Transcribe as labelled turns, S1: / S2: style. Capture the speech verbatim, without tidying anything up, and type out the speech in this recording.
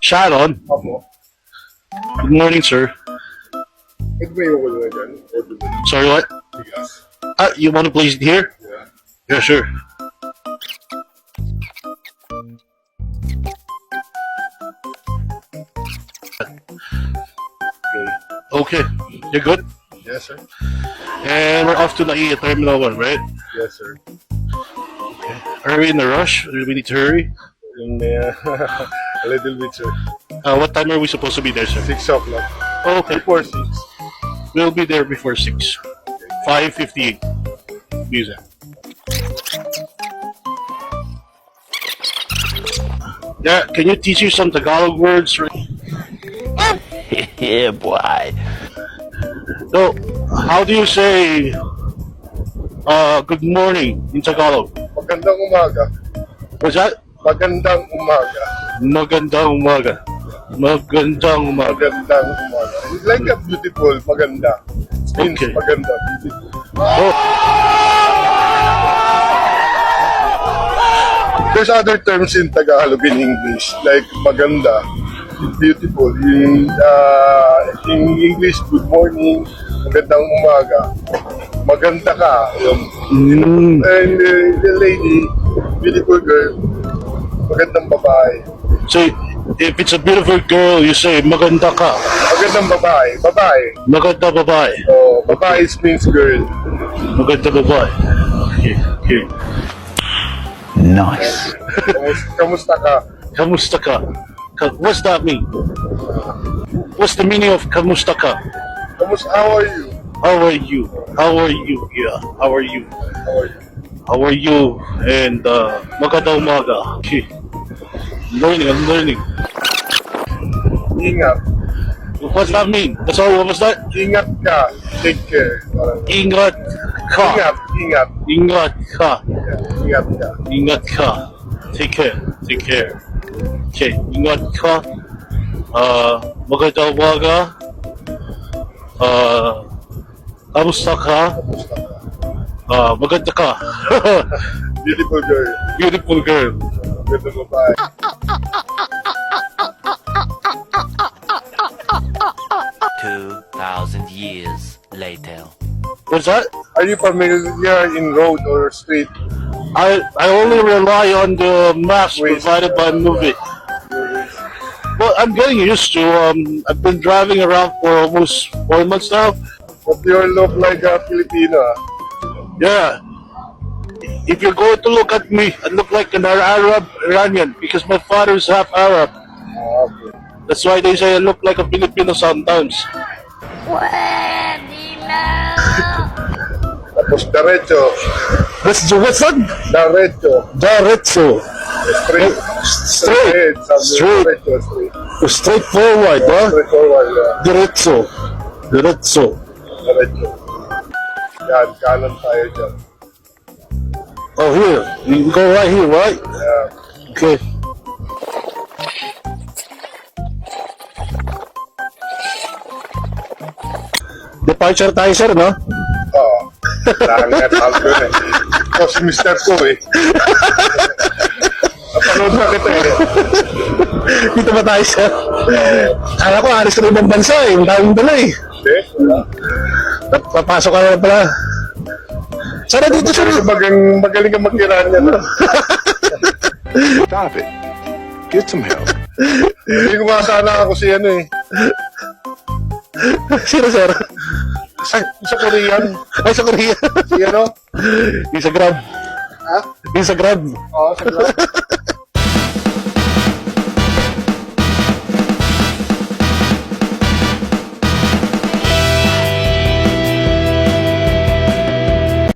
S1: Sharon.
S2: Opo.
S1: Good morning, sir.
S2: Pwede ba yung wala dyan? O doon?
S1: Sorry, what?
S2: Bigas.
S1: Ah, you want to place it here?
S2: Yeah.
S1: Yeah, sure.
S2: Okay.
S1: Okay, you're good?
S2: Yes, sir.
S1: And we're off to Laia Terminal one, right?
S2: Yes, sir.
S1: Are we in a rush? Do we need to hurry?
S2: Yung, uh, a little bit, sir.
S1: Uh, what time are we supposed to be there, sir?
S2: Six o'clock.
S1: Oh, okay.
S2: Before six.
S1: We'll be there before six. five fifty-eight. Music. Yeah, can you teach you some Tagalog words?
S3: Yeah, boy.
S1: So, how do you say uh, good morning in Tagalog?
S2: Magandang umaga.
S1: What's that?
S2: Magandang umaga.
S1: Magandang umaga. Magandang umaga.
S2: Magandang umaga. It's like a beautiful, maganda. It means
S1: Okay.
S2: maganda, beautiful.
S1: Oh,
S2: There's other terms in Tagalog in English, like maganda, beautiful. In, uh, in English, good morning, magandang umaga. Maganda ka. Yung,
S1: mm,
S2: and uh, the lady, beautiful girl, magandang babae.
S1: so, if it's a beautiful girl, you say maganda ka.
S2: Magandang babae, babae.
S1: Maganda babae.
S2: Oh, babae means girl.
S1: Maganda babae. Okay, okay.
S3: Nice.
S2: Kamusta, kamusta ka?
S1: Kamusta ka? Ka- What's that mean? What's the meaning of kamusta ka?
S2: Kamusta, how are you?
S1: How are you? How are you? Yeah, how are you?
S2: How are you?
S1: How are you? And uh, maganda umaga. Okay. Learning, I'm learning.
S2: Ingat.
S1: What's that mean? That's all. What was that?
S2: Ingat ka. Take care. Parang,
S1: Ingat ka.
S2: Ingat, ingat.
S1: Ingat ka.
S2: Yeah, ingat ka.
S1: Ingat ka. Take care. Take care. Okay. Ingat ka. Uh, maganda umaga. Uh, kamusta ka? Uh, maganda ka.
S2: Beautiful girl.
S1: Beautiful girl.
S2: Magandang babae.
S3: Two thousand years later.
S1: What's that?
S2: Are you familiar in road or street?
S1: I I only rely on the maps
S2: Waze.
S1: provided by movie. Well, I'm getting used to. Um, I've been driving around for almost four months now.
S2: But you look like a Filipino. ah.
S1: Yeah. If you're going to look at me, I look like an Arab Iranian because my father's half Arab.
S2: Ah, okay.
S1: That's why they say I look like a Filipino sometimes.
S2: Tapos diretso.
S1: What's what's that?
S2: Diretso.
S1: Diretso.
S2: Straight.
S1: Straight.
S2: Sabi,
S1: Straight.
S2: Diretso, straight.
S1: Straightforward, huh?
S2: Straight forward. Yeah.
S1: Diretso. Diretso.
S2: Diretso. Yan, kanan tayo dyan.
S1: Oh, here. You can go right here, right?
S2: Yeah.
S1: Okay. Departure tayo, sir, no?
S2: Oo. Langat ako dun eh. Tapos mister ko eh. Napanood na kita eh.
S1: Dito ba tayo, sir? Kala ko, alis ka na ibang bansa, eh. Ang daming dala, eh.
S2: Hindi? Wala.
S1: Papasok ka na pala. Sana dito, sir.
S2: Magaling, magaling ka mag-Iran yan. ah.
S4: Stop it. Get some help.
S2: Hindi ko makasana ako si ano eh.
S1: Sino, sir?
S2: Sa, sa Korean.
S1: Ay, sa Korea.
S2: Si ano?
S1: Yung sa Grab.
S2: Ha?
S1: Yung sa Grab.
S2: Oo, sa